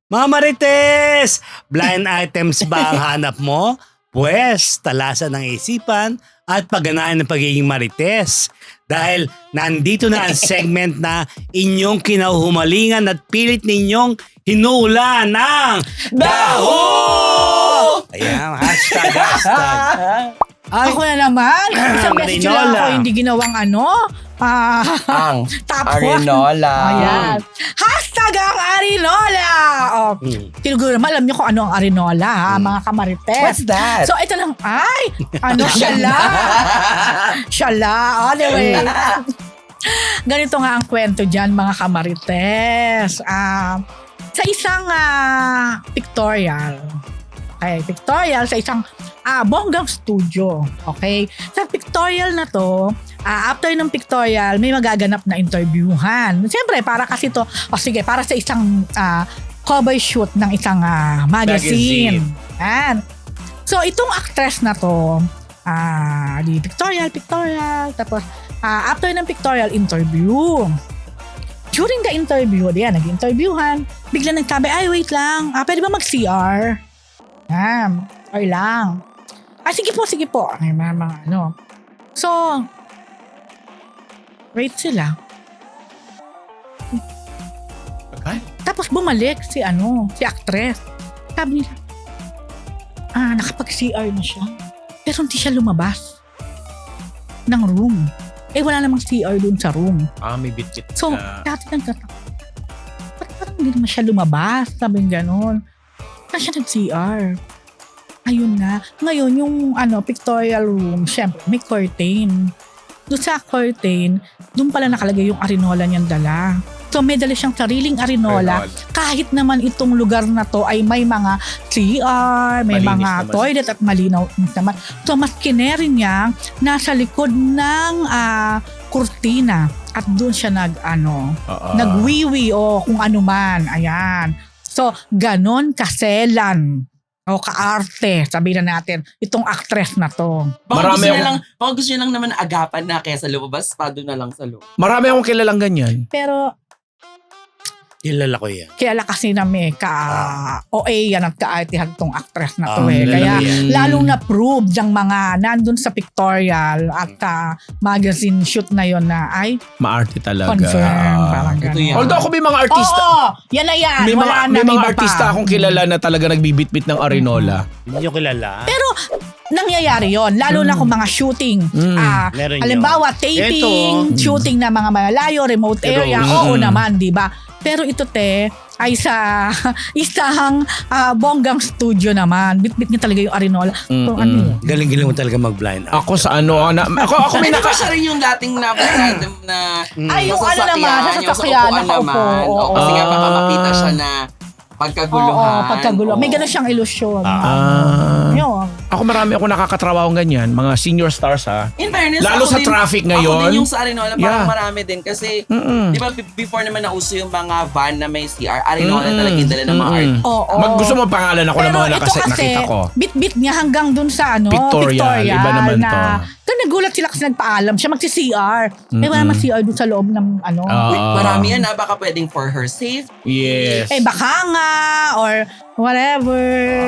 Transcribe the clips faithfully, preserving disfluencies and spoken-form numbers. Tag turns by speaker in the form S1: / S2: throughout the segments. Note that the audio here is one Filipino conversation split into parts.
S1: Mga Marites! Blind items ba ang hanap mo? Pwes, talasan ng isipan at pagganaan ng pagiging Marites. Dahil nandito na ang segment na inyong kinahumalingan at pilit ninyong hinuula ng Daho! Ayan, hashtag, hashtag.
S2: Ay, ako na naman. Isang beses
S1: Arinola.
S2: lang ako hindi ginawang ano. Ah,
S3: Ang
S2: top one.
S3: Arinola.
S2: Ayan. Hashtag ang Arinola. Oh,
S1: Hmm.
S2: Tinuguro naman, alam niyo kung ano ang Arinola, ha, mga kamarites.
S3: What's that?
S2: So, ito lang, ay, ano, syala. Syala. Anyway. Ganito nga ang kwento dyan, mga kamarites. Ah, sa isang ah, pictorial, okay, pictorial sa isang ah, bonggang studio. Okay? Sa pictorial na to, ah, after ng pictorial, may magaganap na interviewhan. Siyempre, para kasi to, o sige, para sa isang ah, cover shoot ng isang ah, magazine. Yan. So, itong actress na to, ah, di pictorial, pictorial, tapos ah, after ng pictorial interview, during the interview, diyan, nag-interviewhan, bigla nagsabi, ay, wait lang, ah, pwede ba mag-C R? Yan, or lang. Ah, sige po, sige po. Ay, mga, mga ano. So, wait sila.
S3: Okay.
S2: Tapos bumalik si ano, si actress. Sabi nila, ah, nakapag-C R na siya. Pero hindi siya lumabas ng room. Eh, wala namang C R dun sa room.
S3: Ah, may bit-bit
S2: So,
S3: na.
S2: dati nang tatak. Parang parang hindi naman siya lumabas. Sabi ng ganon. Saan siya nag-C R? Ayun na. Ngayon, yung ano, pictorial room, syempre, may curtain. Doon sa curtain, doon pala nakalagay yung arinola niyang dala. So, may dala siyang sariling arinola.
S3: Arinola.
S2: Kahit naman itong lugar na to ay may mga C R, may
S3: Malinis
S2: mga
S3: naman.
S2: toilet at malinaw naman. So, mas kineri niya nasa likod ng ah, kurtina. At doon siya nag, ano,
S3: Oo.
S2: nagwiwi o kung ano man. Ayan. So, ganon kaselan o kaarte, sabihin na natin, itong actress na to.
S4: Baka
S3: Marami
S4: gusto niya
S3: akong-
S4: lang, baka gusto niya lang naman agapan na kaya sa lumabas, pa doon na lang sa loob.
S3: Marami akong kilalang ganyan.
S2: Pero,
S1: Kilala ko yan.
S2: kilala kasi namin ka O A yan at kaartihan itong actress na to
S1: Ah,
S2: eh.
S1: kilala
S2: Kaya,
S1: ko yan.
S2: lalong na-prove yung mga nandun sa pictorial at ah, magazine shoot na yon na ay
S3: Maarte talaga.
S2: confirm.
S3: Ah.
S2: Parang
S4: Ito
S2: gano'n.
S4: yan.
S3: Although ako may mga artista,
S2: Oo, yan na yan.
S3: may mga,
S2: Wala na,
S3: may mga
S2: iba
S3: artista
S2: pa.
S3: akong kilala na talaga nagbibitbit ng arinola.
S1: Hindi nyo kilala.
S2: Pero, nangyayari yon lalo na kung mga shooting.
S3: Mm.
S2: Ah,
S1: Meron
S2: halimbawa,
S1: yun.
S2: taping,
S1: Ito.
S2: shooting na mga malalayo, remote
S1: Pero,
S2: area,
S3: mm.
S2: oo naman, di ba? Pero ito te, ay sa isang ah, bonggang studio naman. Bit-bit niya talaga yung arinola. So,
S3: Mm-mm.
S2: ano yun?
S1: Galing-galing mo talaga mag-blind out.
S3: Ako sa ano, na, ako, ako may
S4: May
S3: naka...
S4: naka siya rin yung dating na item na
S2: Ay, yung ano
S4: masasakyan,
S2: naman, sa
S4: yung sa
S2: sasakyan,
S4: upuan
S2: nakaupo.
S4: naman.
S2: Oo.
S4: Oo, kasi nga
S3: Ah.
S4: baka makita siya na pagkaguluhan.
S2: Oo, pagkagulo. May
S4: Oo.
S2: gano'n siyang ilusyon.
S3: Ah.
S2: Yun.
S3: Ako marami ako nakakatrawang ganyan, mga senior stars ha.
S4: In fairness,
S3: Lalo
S4: ako
S3: sa
S4: din-
S3: traffic
S4: Ako
S3: ngayon.
S4: din yung sa Arinola, parang
S3: Yeah.
S4: marami din. Kasi,
S3: Mm-mm.
S4: di ba, b- before naman nauso yung mga van na may C R, Arinola
S3: Mm-mm.
S4: talaga yung dala ng mga art.
S3: Mm-mm.
S2: Oo.
S3: Mag, gusto mo pangalan ako ng
S2: Pero
S3: mga
S2: ito
S3: nakase,
S2: kasi,
S3: nakita ko.
S2: bit-bit niya hanggang dun sa ano,
S3: Pictorial, iba naman
S2: na,
S3: to.
S2: to nagulat sila kasi nagpaalam siya magsi-C R. Eh, wala
S3: Mm-mm.
S2: naman C R dun sa loob ng ano.
S3: Ah.
S4: Wait, marami yan na, baka pwedeng for her safe.
S3: Yes.
S2: Eh, baka nga, or whatever,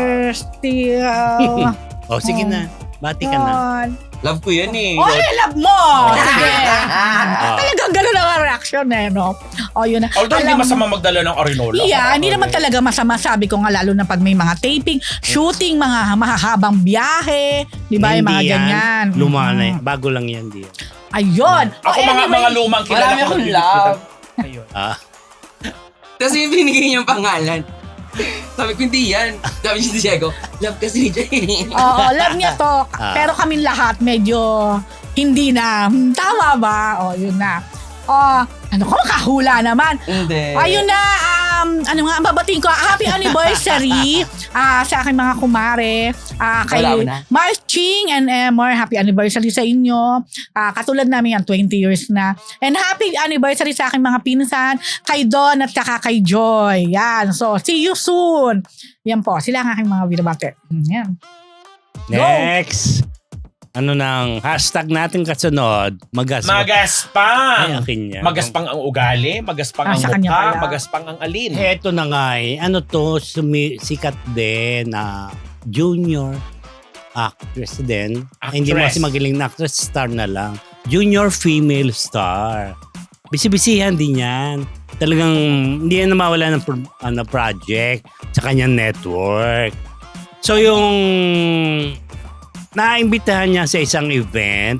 S2: still.
S1: O, sige na. Bati ka na.
S2: Yun.
S4: Love ko yan eh.
S2: Oh, I love mo! Sige.
S1: Ah.
S2: Talagang gano'n ang reaction eh, no? O, yun na.
S3: Although hindi
S2: Alam mo-
S3: masama magdala ng arinola.
S2: Yeah, hindi naman talaga masama. Sabi ko nga, lalo na pag may mga taping, shooting, mga mahahabang biyahe, di ba? Yung mga
S1: Hindi yan.
S2: ganyan.
S1: Luma na
S2: Mhm.
S1: yan. Bago lang yan, di yan.
S2: Ayun.
S3: Ako
S2: O,
S3: mga
S2: anyway,
S3: mga lumang kilala
S4: Marami
S3: ko.
S4: akong
S3: nagbibitbit
S4: love.
S3: ng- Ayun.
S1: Ah.
S4: Tapos yung binigay niyang pangalan. Sabi ko, hindi yan. Sabi niya si Diego, love kasi ni Jay.
S2: Oo, love niya to.
S1: Ah.
S2: Pero kaming lahat medyo hindi na. Hmm, tama ba? O, yun na. O, ano ko, makahula naman.
S4: Hindi.
S2: Ayun na, um, ano nga, babatiin ko, happy anniversary ah, sa aking mga kumare, ah, kay
S4: Wala na.
S2: Mars Ching and Emor, happy anniversary sa inyo. Ah, katulad namin yan, twenty years na. And happy anniversary sa aking mga pinsan, kay Don at saka kay Joy. Yan, so see you soon. Yan po, sila ang aking mga binabate. Hmm, Yan. Go.
S1: Next. ano nang hashtag natin kasunod, magaspa. Ay,
S3: Magaspang.
S1: akin yan.
S3: Magaspang ang ugali, magaspang
S2: Ah,
S3: ang
S2: sa kanya
S3: mukha,
S2: pala.
S3: magaspang ang alin.
S1: Eto na nga eh. Ano to, sumi- sikat din na junior actress din.
S3: Actress.
S1: Hindi mo kasi magaling na actress, star na lang. Junior female star. Bisibisihan din yan. Talagang hindi yan namawala ng pro- ano, project sa kanyang network. So yung naimbitahan niya sa isang event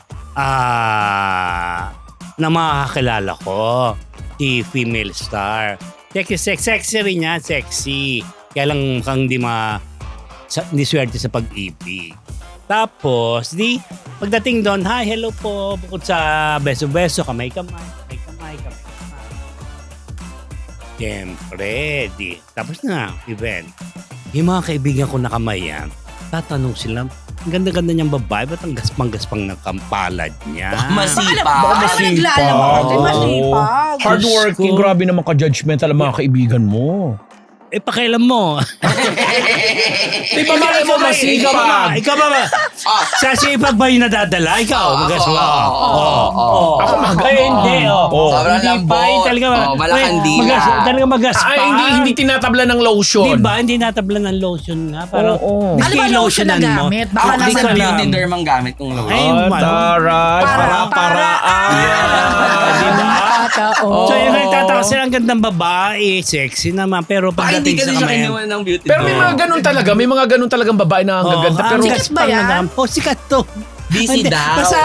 S1: ah na makakakilala ko, si female star. Sexy, sexy, sexy rin niya, sexy. Kaya lang mukhang di ma sa, hindi swerte sa pag-ibig. Tapos, di, pagdating doon, hi, hello po, bukod sa beso-beso, kamay-kamay, kamay-kamay, kamay-kamay. Siyempre, di, tapos na, event. Yung mga kaibigan ko na kamayan, tatanong sila, ang ganda-ganda niyang babae, ba't ang gaspang-gaspang ng kampalad niya?
S4: Masipag.
S2: Baka naglalaba.
S3: Oo.
S2: Masipag.
S3: Hardworking,
S1: Diyos ko.
S3: grabe naman ka-judgmental ang mga kaibigan mo.
S1: Eh, pakialam mo.
S3: Di ba malay mo
S1: Ikaw ba ba?
S3: masipag?
S1: Ikaw ba ba?
S4: Ah.
S1: Sa sipag ba yung nadadala? Ikaw,
S4: Oo,
S1: magas
S4: ako,
S1: mo.
S4: oo, oo, oo.
S3: Ako magaling.
S1: Ay, hindi. Oh.
S3: Oo.
S4: Sobrang
S1: Hindi
S4: lambot.
S1: pa, yung talaga.
S4: Oo, malakandila.
S1: Magas, talaga magaspang.
S3: Ay, hindi hindi tinatabla ng lotion.
S1: Di ba? Hindi natabla ng lotion nga. Parang,
S3: Oo.
S2: Ano ba lotion na
S1: lotionan mo.
S2: gamit? Baka
S4: Ako
S1: Hindi
S4: kasi
S1: ko
S2: nasa...
S1: alam.
S4: beauty derm ang gamit kong lotion.
S1: Ay,
S3: Ah,
S1: ano?
S3: taray.
S2: Para-
S3: Parang paraan.
S1: Di ba?
S2: Totoo.
S1: So yung nagtataka sila, ang gandang babae, sexy naman. Pero
S4: Baka hindi
S1: pagdating
S4: kasi
S1: sa
S4: siya
S1: kamay,
S4: kinuha ng beauty
S3: Pero may
S4: derm.
S3: mga ganun talaga. May mga ganun talagang babae na ang gaganda.
S1: Oh,
S3: Pero
S1: ang
S2: Sikat ba
S1: gaspang
S2: yan?
S1: na naman. Oh, sikat to.
S4: Busy
S1: Hindi,
S4: daw.
S1: Basta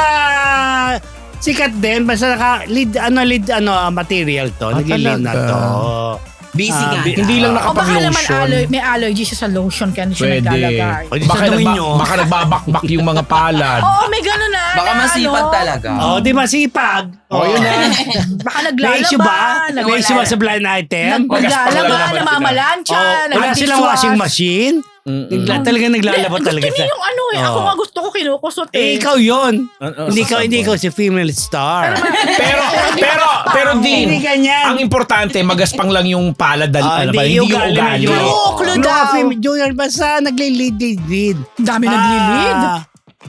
S1: sikat din. Basta naka, lead, ano, lead, ano, material to.
S3: Ah,
S1: Nagli-lead na
S3: talaga?
S1: to.
S4: Busy
S1: Ah,
S4: nga.
S1: bi-
S3: hindi lang
S2: O baka naman
S3: nakapag-lotion.
S2: aller- may allergy siya sa lotion kaya hindi siya
S3: Pwede.
S2: naglalagay.
S1: Pwede
S3: Baka,
S1: tanungin
S3: nagba-
S1: nyo.
S3: baka nagbabakbak yung mga palad.
S2: Oo, may gano'n na.
S4: Baka
S2: na
S4: masipag
S2: ano.
S4: talaga.
S1: Oh, di ba sipag?
S3: Oh, yun na.
S2: Baka
S1: May
S2: naglalaba.
S1: issue ba?
S2: nag-
S1: May issue ba sa blind item?
S2: nag-
S3: Magaspang lang
S2: Naglalaba,
S3: naman sila.
S2: namamalansya,
S1: Oh, wala silang
S2: nag-dishwash.
S1: washing machine?
S3: Mm-mm.
S1: Nagla, talagang naglalaba
S2: Gusto
S1: talaga
S2: niya
S1: siya.
S2: yung ano eh. Ako
S1: Oh.
S2: nga gusto ko kinukusot
S1: Eh,
S2: eh.
S1: ikaw yun.
S3: Ano,
S1: Hindi
S3: sa
S1: ikaw, hindi
S3: sabon?
S1: ikaw si female star.
S3: Pero, pero, pero
S1: Hindi
S3: din,
S1: ganyan.
S3: ang importante, magaspang lang yung palad. dal-
S1: Ah,
S3: ano
S1: hindi,
S3: ba, hindi yung
S1: ugali,
S3: ugali.
S1: medyo-
S2: Clue, clue
S1: Mga
S2: daw.
S1: fem- Junior, basta nagli-lead, lead, lead.
S2: Dami naglilid.
S1: Ah,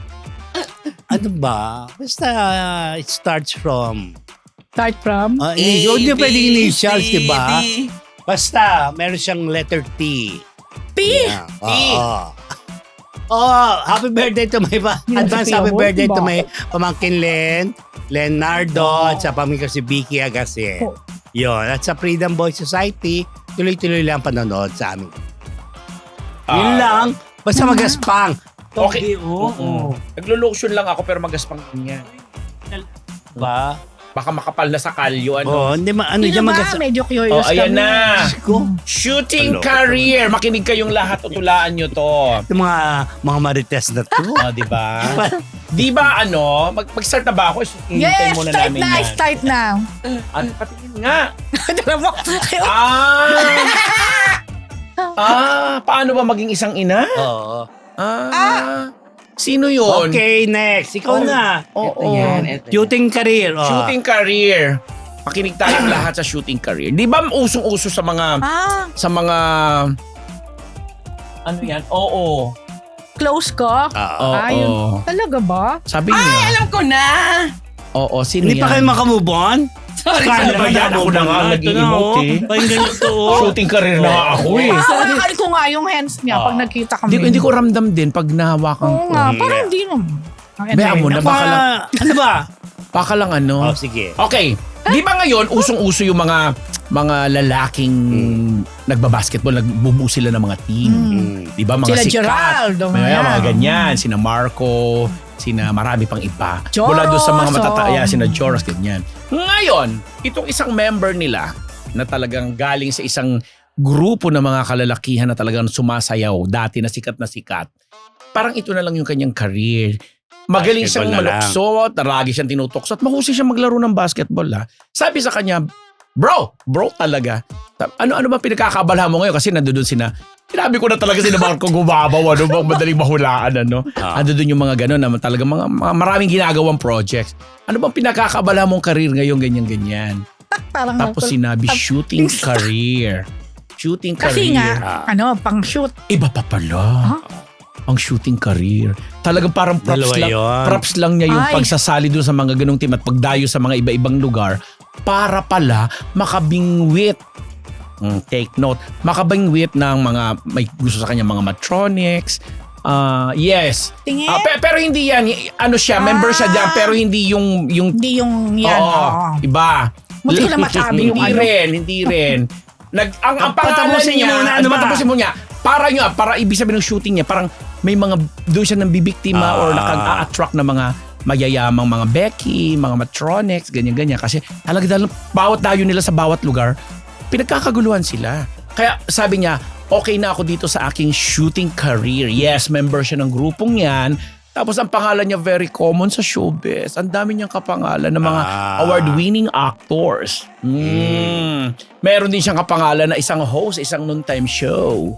S1: ano ba? Basta uh, it starts from...
S2: Start from?
S1: Uh,
S4: A,
S1: hindi
S4: B,
S1: pwedeng initials,
S4: C,
S1: di ba?
S4: D.
S1: Basta, meron siyang letter T.
S2: P.
S1: Yeah. Oo. Oh, happy birthday to my pa.
S2: Yan,
S1: Advance
S2: si
S1: happy
S2: Pio,
S1: birthday
S2: diba?
S1: to my pamangkin Len, Leonardo, at sa pamangkin ko si Vicky Agase.
S2: Oh.
S1: Yun. At sa Freedom Boy Society, tuloy-tuloy lang panonood sa amin.
S3: Ah.
S1: Yun lang. Basta magaspang.
S3: Okay.
S1: Oo.
S3: Oo. Naglo-lotion lang ako pero magaspang din yan.
S1: Ba?
S3: Baka makapal na sa kalyo. Ano?
S1: Oo, hindi ma, ano
S2: Hindi
S1: dyan
S2: ba?
S1: magaspang.
S2: Medyo
S3: Oh,
S2: curious
S3: ayan
S2: kami.
S3: na.
S1: Ko.
S3: Shooting
S1: Hello.
S3: career. Makinig kayong lahat. Tutulaan nyo to.
S1: Yung mga, mga marites na to.
S3: Oh, di ba? Di ba ano? Mag- mag-start na ba ako? Hintay
S2: Yes,
S3: muna
S2: start
S3: namin
S2: na,
S3: yan.
S2: start na.
S3: Ano, patingin nga.
S2: Tara mo.
S3: Ah! ah, paano ba maging isang ina?
S1: Oo.
S3: Ah. Sino yun?
S1: Okay, next. Ikaw
S3: Oh.
S1: na.
S3: Oo.
S4: Ito yan, ito yan.
S1: Shooting career. Oh.
S3: Shooting career. Makinig tayong lahat sa shooting career. Di ba usong-uso sa mga
S2: Ah,
S3: sa mga ano yan? Oo.
S2: close ko.
S1: Oo.
S3: Oo.
S2: Ayun. Talaga ba?
S3: Sabi
S4: Ay,
S3: niya.
S4: alam ko na.
S3: Oo, sino
S1: Hindi
S3: yan?
S1: pa kayo makamove on?
S4: Sorry,
S3: Ano ba
S4: sorry.
S3: yan? Ako na nga ang nag-i-emote eh.
S1: Pakinggan nyo to. oh.
S3: Shooting career na nga ako eh.
S2: Parang ko nga yung hands niya pag
S3: Ah.
S2: nagkita kami.
S3: Hindi, ko- hindi ko ramdam din pag nahawakan
S2: Oo
S3: ko.
S2: nga,
S1: Mm,
S2: parang
S1: yeah.
S2: hindi naman. Ah,
S3: Bea mo na,
S1: Baka,
S3: baka lang,
S1: ano ba?
S3: baka lang ano.
S1: Oh, sige.
S3: Okay. Di ba ngayon, usong-uso yung mga mga lalaking nagbabasketball, nagbubuo sila ng mga team.
S1: Mm.
S3: Di ba? Mga
S2: Sila
S3: sikat.
S2: Geraldo,
S3: May
S2: mga
S3: mga
S2: yan.
S3: ganyan. Sina Marco, sina marami pang iba.
S2: Joros,
S3: Mula doon sa mga matataya,
S2: oh.
S3: sina Joros, ganyan. Ngayon, itong isang member nila na talagang galing sa isang grupo ng mga kalalakihan na talagang sumasayaw, dati na sikat na sikat, parang ito na lang yung kanyang career. Magaling siyang
S1: Basketball na lang.
S3: maluksot, lagi siyang tinutukso at mahusay siyang maglaro ng basketball. Ha? Sabi sa kanya, bro, bro talaga. Ano-ano ba pinagkakabala mo ngayon? Kasi nandoon sina, sinabi ko na talaga sina Marco gumabaw, ano bang madaling mahulaan, ano?
S1: Ah.
S3: Ando doon yung mga gano'n na talaga mga, mga maraming ginagawang projects. Ano bang pinakakabala mong career ngayon, ganyan-ganyan?
S2: Parang
S3: Tapos sinabi, shooting career. Shooting
S2: Kasi
S3: career.
S2: nga, ano, pang shoot.
S3: Iba pa pala.
S2: Huh?
S3: ang shooting career. Talagang parang props
S1: Dalawa
S3: lang,
S1: yun.
S3: props lang niya yung
S2: Ay.
S3: pagsasali doon sa mga ganung team at pagdayo sa mga iba-ibang lugar para pala makabingwit. Mm, take note. Makabingwit ng mga may gusto sa kanya mga matronics. Ah, yes.
S2: Tingin?
S3: Ah, pe- pero hindi yan. Y- Ano siya, member siya
S2: Ah.
S3: dyan, pero hindi yung yung
S2: Hindi yung yan.
S3: Oo,
S2: Oo.
S3: iba.
S2: Muntik ko na masabi yung
S3: Hindi
S2: ano.
S3: rin, hindi rin. Nag, ang, ang pangalan
S1: Patapusin niyo
S3: niya,
S1: muna,
S3: ano
S1: ano
S3: ba?
S1: ba?
S3: Patapusin mo niya. Para niya, para ibig sabihin ng shooting niya, parang may mga, doon siya nang bibiktima
S1: Ah.
S3: or naka-attract na mga mayayamang mga Becky, mga Matronics, ganyan-ganyan. Kasi talaga dahil bawat dayo nila sa bawat lugar, pinagkakaguluhan sila. Kaya sabi niya, okay na ako dito sa aking shooting career. Yes, member siya ng grupong yan. Tapos ang pangalan niya very common sa showbiz. Ang dami niyang kapangalan ng mga
S1: Ah.
S3: award-winning actors. Mm. Meron din siyang kapangalan na isang host, isang noontime show.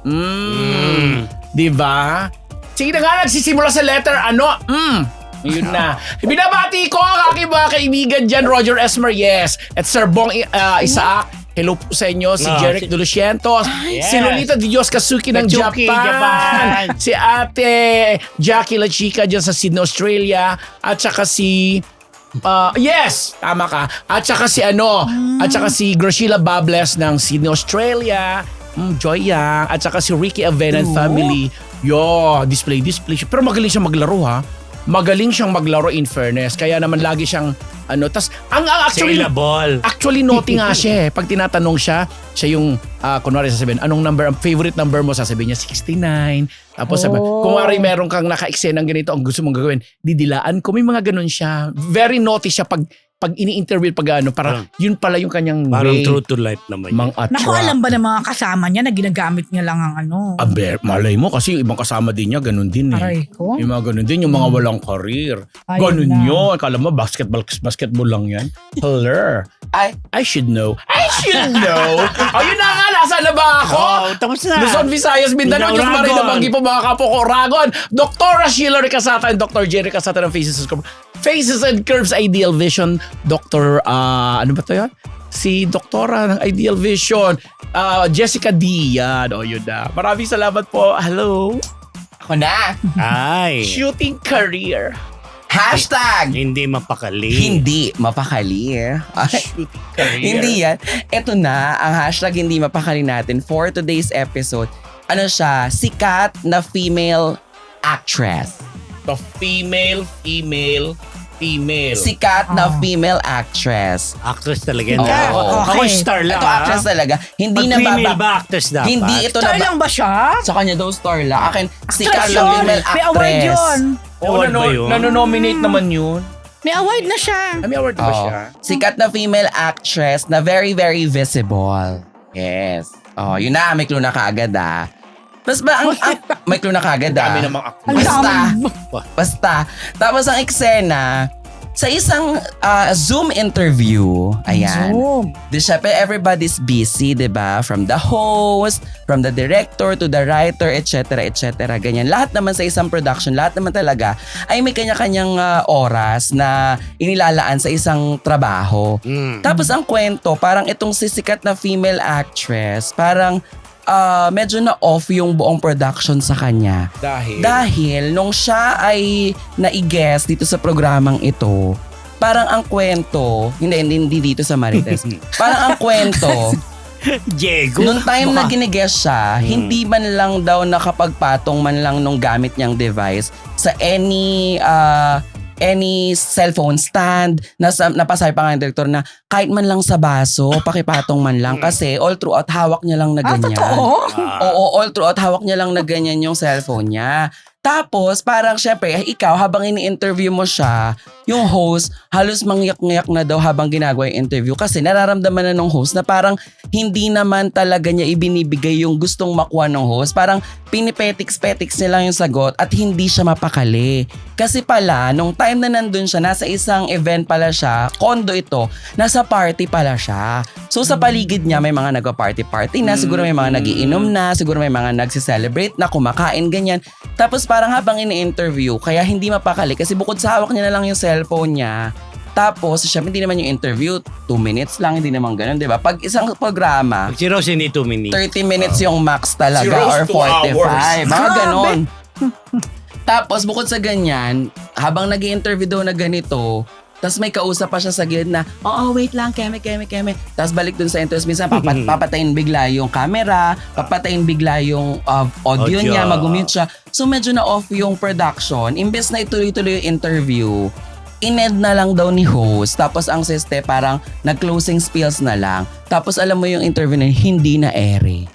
S3: Mm. Di ba? Sige na nga, nagsisimula sa letter ano? Mm. Yun na. Binabati ko ang aking mga kaibigan dyan, Roger Esmer, yes. At Sir Bong uh, Isaac, hello po sa inyo. Si
S1: Ah,
S3: Jeric
S1: si-
S3: Dulucientos,
S1: Yes.
S3: si Lolita Di Dios Kazuki ng
S1: Kazuki,
S3: Japan,
S1: Japan.
S3: si Ate Jackie La Chica dyan sa Sydney, Australia, at saka si Uh, yes, tama ka. At saka si ano, at saka si Graciela Bables ng Sydney, Australia. Mm, Joy Yang. At saka si Ricky Avena and
S2: Oo.
S3: family. Yo, display, display. siya. Pero magaling siyang maglaro ha. Magaling siyang maglaro in fairness. Kaya naman lagi siyang ano. Tas, ang, ang actually,
S1: Saleable.
S3: actually naughty nga siya eh. Pag tinatanong siya, siya yung, uh, kunwari sasabihin, anong number, ang favorite number mo, sasabihin niya sixty-nine. Tapos sabi,
S2: Oh.
S3: kunwari meron kang naka-eksena ng ganito, ang gusto mong gagawin, didilaan ko. May mga ganun siya. Very naughty siya pag pag ini-interview pag ano, para yun pala yung kanyang
S1: Parang
S3: way
S1: true to life naman yun.
S3: mang attract.
S2: Naku, alam ba ng mga kasama niya na ginagamit niya lang ang ano?
S3: Aber, malay mo kasi yung ibang kasama din niya, ganun din eh.
S2: Aray ko.
S3: Yung mga ganun din, yung mga walang career.
S2: Ayun
S3: Ganun
S2: na.
S3: yun. Akala mo, basketball, basketball lang yan. Hello.
S4: Ay,
S3: I should know. I should know. Ayun na nga, nasa na ba ako?
S1: Oh, tapos na.
S3: Luzon, Visayas, Mindanao,
S1: Mindanao,
S3: Diyos Maria
S1: Ragon.
S3: na Banggi po mga kapo ko, Ragon. Doktora Sheila Ricasata and Doctor Jerry Casata ng Faces and Curves. Faces and Curves Ideal Vision. Doctor, ah, ano ba to yan? Si Doktora ng Ideal Vision. ah, Jessica D. Yan. O, yun na. Maraming salamat po. Hello.
S4: ako na.
S1: Ay.
S3: Shooting career.
S4: Hashtag
S1: Hindi mapakali.
S4: hindi mapakali. Ay,
S3: Shooting career.
S4: hindi yan. Ito na, ang hashtag hindi mapakali natin for today's episode. Ano siya? Sikat na female actress.
S3: The female, female, female.
S4: Sikat na
S2: Oh.
S4: female actress.
S1: Actress talaga yan.
S4: Oo.
S1: Ako, ako
S2: Okay.
S1: star lang.
S4: Ito
S1: ah.
S4: actress talaga. Hindi
S1: Pag
S4: na
S1: female
S4: baba.
S1: ba actress dapat?
S4: Hindi ito na
S2: Star lang ba siya?
S4: Sa kanya daw star lang. Akin, sikat
S2: Actress
S4: na
S2: yun.
S4: female
S2: May award
S4: actress.
S2: yun.
S3: Oh,
S1: Award ba
S3: nano-
S1: yun?
S3: nanonominate naman yun.
S2: May award na siya.
S3: Ah, may award ba
S4: Oo.
S3: siya?
S4: Sikat na female actress na very, very visible. Yes. Oh, yun na. May clue na kaagad ah. Mas ba, ang, ang, may clue na kaagad ah.
S3: Dami namang actor.
S2: Ang
S4: Basta.
S2: dami.
S4: Basta. Tapos ang eksena, sa isang ah, Zoom interview, ayan.
S2: Zoom.
S4: Di syempre, everybody's busy, di ba? From the host, from the director to the writer, et cetera, et cetera. Ganyan. Lahat naman sa isang production, lahat naman talaga ay may kanya-kanyang ah, oras na inilalaan sa isang trabaho.
S1: Mm.
S4: Tapos ang kwento, parang itong sisikat na female actress, parang ah, medyo na off yung buong production sa kanya.
S3: Dahil?
S4: Dahil nung siya ay nai-guest dito sa programang ito, parang ang kwento, hindi, hindi, hindi dito sa Marites, parang ang kwento,
S1: Diego.
S4: nung time na
S1: Baka-
S4: ginigest siya,
S1: Hmm.
S4: hindi man lang daw nakapagpatong man lang nung gamit niyang device sa any uh, any cellphone stand. Nasa, napasabi pa nga ng director na kahit man lang sa baso, pakipatong man lang. Kasi all throughout, hawak niya lang na
S2: Ah,
S4: ganyan.
S2: totoo?
S1: Ah.
S4: Oo, all throughout, hawak niya lang na ganyan yung cellphone niya. Tapos, parang syempre, ikaw, habang ini-interview mo siya, yung host, halos mangyak-ngyak na daw habang ginagawa yung interview kasi nararamdaman na ng host na parang hindi naman talaga niya ibinibigay yung gustong makuha ng host. Parang pinipetiks-petiks niya lang yung sagot at hindi siya mapakali. Kasi pala, nung time na nandun siya, nasa isang event pala siya, condo ito, nasa party pala siya. So sa paligid niya, may mga nagpa-party-party na, siguro may mga nagiinom na, siguro may mga nagsi-celebrate na, kumakain, ganyan. Tapos parang habang ini-interview, kaya hindi mapakali kasi bukod sa hawak niya na lang yung cellphone niya, tapos syempre hindi naman yung interview, two minutes lang, hindi naman ganun, di ba? Pag isang programa,
S1: Si Rose hindi two minutes.
S4: thirty minutes yung max talaga
S3: Si Rose,
S4: or
S3: two
S4: forty-five.
S3: hours.
S4: Mga
S2: Grabe.
S4: ganon. Tapos bukod sa ganyan, habang nag interview daw na ganito, tapos may kausap pa siya sa gilid na, oo, wait lang, keme, keme, keme. Tapos balik dun sa interview, minsan papat, papatayin bigla yung camera, papatayin bigla yung uh, audio,
S1: Audio.
S4: niya, mag-mute siya. So medyo na-off yung production. Imbes na ituloy-tuloy yung interview, in-end na lang daw ni host. Tapos ang siste parang nag-closing spills na lang. Tapos alam mo yung interview na yun, hindi na ere.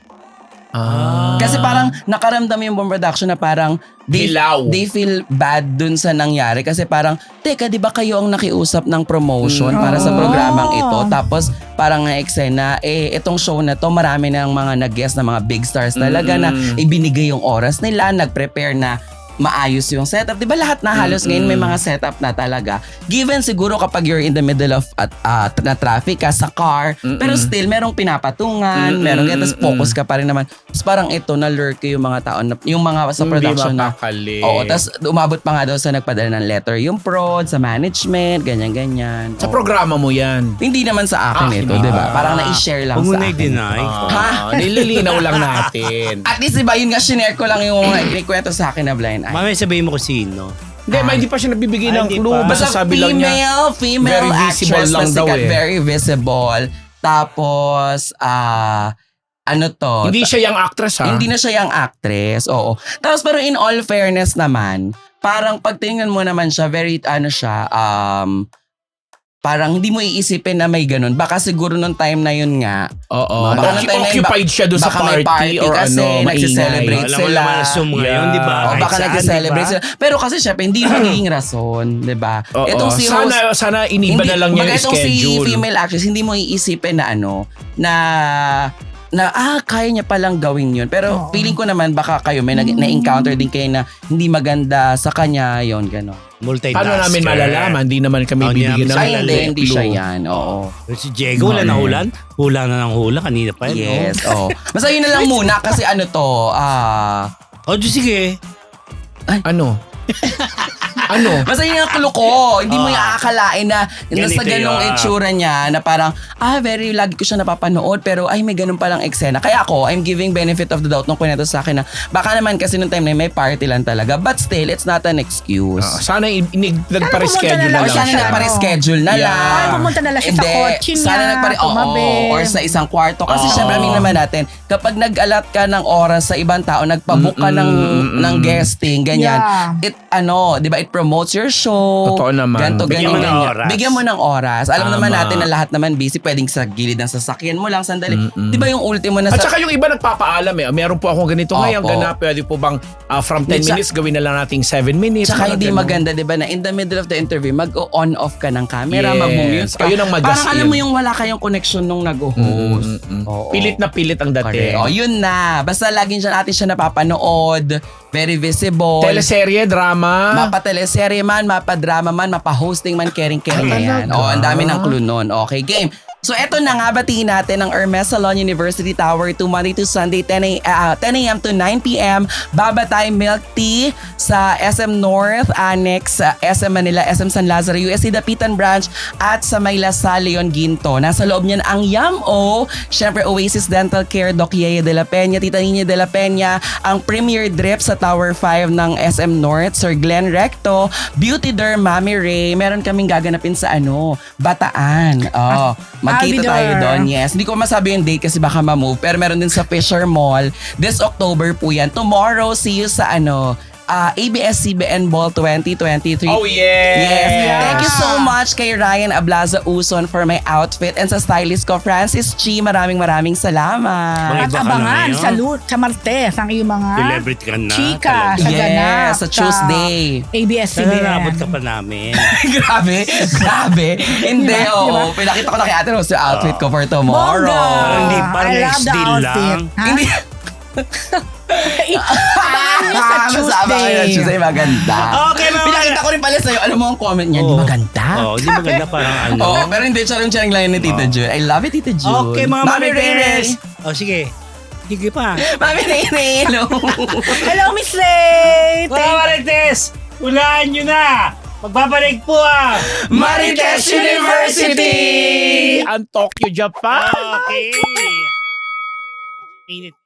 S3: Ah.
S4: Kasi parang nakaramdam yung buong production na parang they,
S3: Hilaw.
S4: they feel bad dun sa nangyari. Kasi parang, teka, di ba kayo ang nakiusap ng promotion
S3: Mm.
S4: para sa
S2: Oh.
S4: programang ito? Tapos parang nga eksena, eh, itong show na to, marami ng mga nag-guest na mga big stars talaga na
S3: Mm.
S4: ibinigay yung oras nila, nag-prepare na maayos yung setup. Di ba lahat na halos
S3: Mm-mm.
S4: ngayon may mga setup na talaga. Given siguro kapag you're in the middle of at uh, na traffic ka sa car,
S3: Mm-mm.
S4: pero still merong pinapatungan,
S3: Mm-mm.
S4: merong ganyan, tapos
S3: Mm-mm.
S4: focus ka pa rin naman. Tapos parang ito, na-lurk yung mga tao, na, yung mga sa production
S3: Hindi
S4: na,
S3: mapakali.
S4: oo, tapos umabot pa nga daw sa nagpadala ng letter yung prod, sa management, ganyan-ganyan.
S3: Sa
S4: Oo.
S3: programa mo yan.
S4: Hindi naman sa akin
S3: Ah,
S4: ito,
S3: hindi
S4: di ba?
S3: ba?
S4: Parang na-share lang
S1: Huwag mo
S4: sa
S1: na
S4: akin.
S1: i-deny.
S3: Ah, nililinaw lang natin.
S4: At least diba, yun nga, shinare ko lang yung mga inikwento sa akin na blind eye.
S1: Mamaya sabihin mo kung sino.
S3: Hindi, ma, hindi pa siya nabibigay
S1: Ah,
S3: ng
S1: hindi
S3: clue.
S1: pa.
S3: Basta sabi lang niya,
S4: female, female
S3: very visible
S4: actress
S3: lang
S4: na
S3: daw
S4: sikat,
S3: eh.
S4: very visible. Tapos, ah, ano to?
S3: hindi siya yung actress ha.
S4: Hindi na siya yung actress, oo. Tapos pero in all fairness naman, parang pagtingnan mo naman siya, very ano siya, um, parang hindi mo iisipin na may ganun. Baka siguro nung time na yun nga,
S3: Oo.
S4: Baka
S3: Occup-
S4: nung time na yun,
S3: occupied siya doon sa
S4: baka may
S3: party,
S4: party
S3: or
S4: kasi,
S3: ano, maingay.
S4: nagsiselebrate
S1: Alam mo
S4: sila.
S1: naman ang Zoom ngayon,
S3: Yeah.
S1: di ba?
S4: o
S1: Kahit
S4: baka
S1: saan,
S4: nag-celebrate
S1: di ba?
S4: sila. Pero kasi syempre, hindi magiging rason, di ba?
S3: Oo.
S4: Itong si
S3: sana,
S4: host,
S3: sana iniba na lang niya
S4: baga
S3: yung
S4: itong si
S3: schedule.
S4: female actress, hindi mo iisipin na ano, na na ah kaya niya palang gawin yun. Pero
S2: Oo.
S4: feeling ko naman baka kayo may nag-
S2: Mm.
S4: na-encounter din kayo na hindi maganda sa kanya, yon gano'n.
S1: Multitasker.
S3: Paano namin malalaman? Hindi naman kami
S1: Oh,
S3: bibigyan
S1: niya,
S3: ng
S4: Ay, hindi,
S3: clue.
S4: hindi siya yan. Oo.
S1: Si Diego, wala na hulan. Hula na ng hula. Kanina pa yun.
S4: Yes, oo. Basta yun na lang muna kasi ano to, ah...
S1: Oh, oh sige.
S3: Ano? Ano?
S4: Basta yun ang clue ko. Hindi mo
S1: Ah.
S4: yung aakalain na, na sa
S1: Ganito
S4: ganong
S1: yun.
S4: itsura niya na parang, ah, very lagi ko siya napapanood pero ay, may ganun palang eksena. Kaya ako, I'm giving benefit of the doubt nung kwento sa akin na baka naman kasi nung time na yun, may party lang talaga. But still, it's not an excuse.
S3: Ah, sana i- inig-
S2: pumunta
S3: nagpa-reschedule
S2: na
S3: na
S2: lang
S4: Or
S3: lang
S4: sana
S2: siya.
S4: nagpa-reschedule na
S3: Yeah.
S4: lang.
S2: Ay, pumunta na lang siya sa
S4: Hindi.
S2: kotse niya,
S4: Sana nagpa oo,
S2: tumabi.
S4: or sa isang kwarto. Kasi
S3: Oo.
S4: syempre, amin naman natin, kapag nag-alat ka ng oras sa ibang tao, nagpabook ka ng,
S3: Mm-mm.
S4: ng guesting, ganyan.
S2: Yeah.
S4: It, ano, di ba, it promotes your show.
S3: Totoo naman.
S4: Ganto,
S1: Bigyan
S4: ganyan,
S1: mo ng
S4: ganyan.
S1: oras.
S4: Bigyan mo ng oras. Alam
S3: Tama.
S4: naman natin na lahat naman busy, pwedeng sa gilid ng sasakyan mo lang, sandali.
S3: Mm-mm.
S4: Di ba yung ultimo na
S3: At
S4: sa...
S3: saka yung iba nagpapaalam eh. Meron po akong ganito
S4: Opo.
S3: ngayon. Ganap, pwede po bang ah, from ten
S4: Tsaka-
S3: minutes gawin na lang nating seven minutes.
S4: Tsaka
S3: Mga
S4: hindi
S3: ganun.
S4: maganda, di ba, na in the middle of the interview, mag-on off ka ng camera,
S3: Yes.
S4: mag-mute ka.
S3: Ayun ang mag-gas
S4: Parang alam
S3: in.
S4: mo yung wala kayong connection nung nag-host.
S3: Mm-mm.
S4: Oo.
S3: Pilit na pilit ang dating.
S4: Correct. O, yun na. Basta laging siya natin siya napapanood. Very visible.
S3: Teleserye, drama.
S4: Mapa-teleserye man, mapa-drama man, mapa-hosting man, caring-caring na
S3: Ay,
S4: yan.
S3: talaga?
S4: O, ang dami ng clue nun. Okay, game. So, eto na nga, batiin natin ang Hermes Salon University Tower to Monday to Sunday, ten a.m. to nine p.m. Babatay Milk Tea sa S M North, Annex, sa S M Manila, S M San Lazaro, U S C Dapitan Branch, at sa May Lasal, Leon Ginto. Nasa loob niyan ang Yam-O, syempre Oasis Dental Care, Doc Yeye de la Peña, Tita Nina de la Peña, ang Premier Drip sa Tower five ng S M North, Sir Glenn Recto, Beauty Derm, Mami Ray, meron kaming gaganapin sa ano, Bataan. Oh, magkita
S2: Albidor.
S4: tayo doon. Yes, hindi ko masabi yung date kasi baka ma-move, pero meron din sa Fisher Mall. This October po yan. Tomorrow, see you sa ano, ah, A B S C B N Ball twenty twenty-three.
S3: Oh, yes.
S4: Yes.
S2: Yeah.
S4: Thank you so much kay Ryan Ablaza Uson for my outfit and sa stylist ko, Francis Chi. Maraming maraming salamat.
S1: Mga
S2: At
S1: iba ka na
S2: abangan
S1: ngayon.
S2: sa, Lu- sa Martes ang iyong mga
S1: Celebrity ka na.
S2: chika
S1: talaga.
S2: sa ganap.
S4: Yes, sa Tuesday.
S2: A B S C B N.
S1: Sana nabot ka pa namin.
S4: grabe, grabe. Hindi,
S2: Diba?
S4: oo.
S2: Diba?
S4: Pinakita ko na kay Ate Rose yung outfit ko for tomorrow.
S2: Bongga!
S1: Parang hindi, parang
S2: I love
S1: next
S2: the
S1: deal
S2: outfit.
S1: lang.
S2: Ha?
S4: Hindi.
S2: Abangan niyo sa
S4: Masama kayo na
S2: Tuesday.
S4: Tuesday, maganda.
S1: Okay, mga
S4: Pinakita ko rin pala sa'yo, alam mo ang comment niya, di
S1: Oo.
S4: maganda.
S1: Oo, hindi maganda parang ano.
S4: Oo, pero hindi, charang-charang lang yun ni Tita June. I love it, Tita June.
S1: Okay, mga
S4: Mami Ray Ray.
S1: Marites. Oh, sige. Sige pa.
S4: Mami Ray Ray, hello.
S2: Hello, Miss Ray.
S1: Mga
S2: Thank
S1: Marites, unahan nyo na. Magbabalik po ah.
S4: Marites University!
S3: Ang Tokyo, Japan.
S1: Okay. Init.